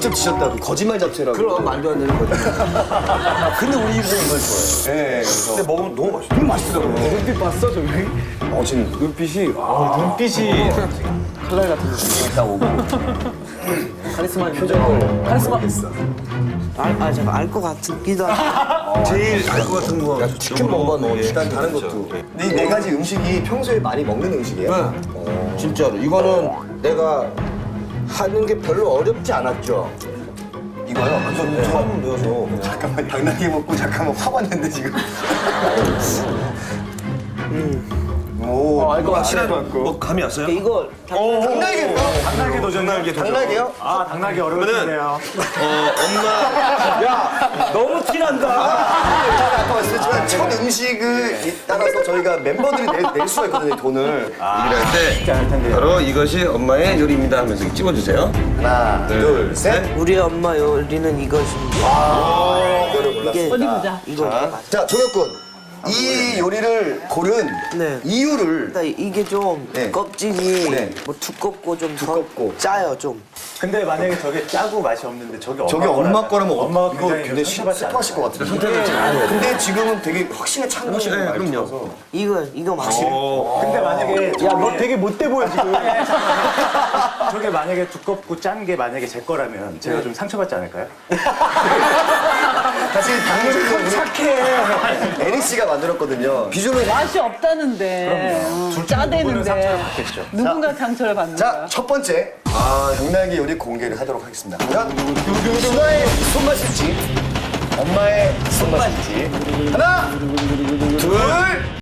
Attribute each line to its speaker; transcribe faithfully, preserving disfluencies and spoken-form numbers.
Speaker 1: 직접 드셨다고 거짓말 잡채라고.
Speaker 2: 그럼 말도 안 되는 거지.
Speaker 1: 근데 우리 입은 이걸 좋아해요. 네.
Speaker 3: 근데 먹으면 너무 맛있어.
Speaker 1: 너무 맛있더라고요.
Speaker 4: 눈빛 봤어 저기?
Speaker 1: 어, 지금
Speaker 4: 눈빛이 아 눈빛이 칼날 같은 느낌.
Speaker 1: 딱 오고.
Speaker 4: 카리스마 표정을 카리스마
Speaker 2: 알, 아, 제가 알 것 같기도 하고.
Speaker 3: 제일 알 것 같은 거.
Speaker 1: 치킨 먹어봐, 너. 일단 다른
Speaker 3: 그렇죠.
Speaker 1: 것도. 근데 이 네 가지 음식이 평소에 많이 먹는 음식이에요?
Speaker 2: 네. 진짜로. 이거는 내가 하는 게 별로 어렵지 않았죠.
Speaker 1: 이거요?
Speaker 3: 완전 처음 배워서.
Speaker 1: 잠깐만, 당나귀 먹고 잠깐만 확 왔는데, 지금. 오.
Speaker 4: 알것 같아.
Speaker 3: 확실한 뭐 감이 왔어요?
Speaker 2: 이거
Speaker 1: 당나귀요?
Speaker 3: 당나귀 도전. 당나귀 도전.
Speaker 1: 당나귀요?
Speaker 4: 아 당나귀 어려울
Speaker 3: 그러면은
Speaker 4: 텐데요.
Speaker 3: 어 엄마
Speaker 2: 너무 티난다.
Speaker 1: 제가 아까 말씀드렸지만 첫 음식을 따라서 저희가 멤버들이 낼, 낼 수가 있거든요, 돈을.
Speaker 3: 일을 할
Speaker 4: 쉽지 않을
Speaker 3: 때
Speaker 4: 텐데요.
Speaker 3: 바로 이것이 엄마의 요리입니다 하면서 찍어주세요.
Speaker 1: 하나, 둘, 셋.
Speaker 2: 우리 엄마 요리는 이것입니다.
Speaker 1: 이거를
Speaker 2: 이게
Speaker 1: 골랐습니다.
Speaker 5: 어디 보자.
Speaker 2: 이거 맞아.
Speaker 1: 자, 조혁군. 이 요리를 고른
Speaker 2: 네.
Speaker 1: 이유를
Speaker 2: 일단 이게 좀
Speaker 1: 네.
Speaker 2: 껍질이
Speaker 1: 네.
Speaker 2: 뭐 두껍고 좀
Speaker 1: 두껍고.
Speaker 2: 더 짜요 좀.
Speaker 4: 근데 만약에 저게 짜고 맛이 없는데 저게 엄마
Speaker 1: 저게 엄마 거라면
Speaker 4: 엄마가
Speaker 1: 이거
Speaker 4: 굉장히
Speaker 1: 굉장히
Speaker 4: 상처받지
Speaker 1: 슬퍼하실 것 같은데.
Speaker 3: 선택을 잘 해야
Speaker 1: 근데 지금은 되게 확신에 찬 거예요.
Speaker 3: 네, 그럼요.
Speaker 2: 이거 이거 맛이.
Speaker 4: 근데 만약에
Speaker 5: 야, 너 되게 못돼 보여, 지금.
Speaker 4: 저게 만약에 두껍고 짠 게 만약에 제 거라면 제가 좀 상처받지 않을까요?
Speaker 1: 사실 당근은 우리
Speaker 4: 착해.
Speaker 1: 에리 씨가 만들었거든요. 비주얼은
Speaker 5: 맛이 없다는데. 어,
Speaker 4: 누구는
Speaker 5: 짜대는데.
Speaker 4: 상처를 받겠죠.
Speaker 5: 누군가 상처를 받는
Speaker 1: 자,
Speaker 5: 거야.
Speaker 1: 첫 번째 당나귀 요리 공개를 하도록 하겠습니다. 과연 누나의 손맛일지 엄마의 손맛일지 하나, 둘,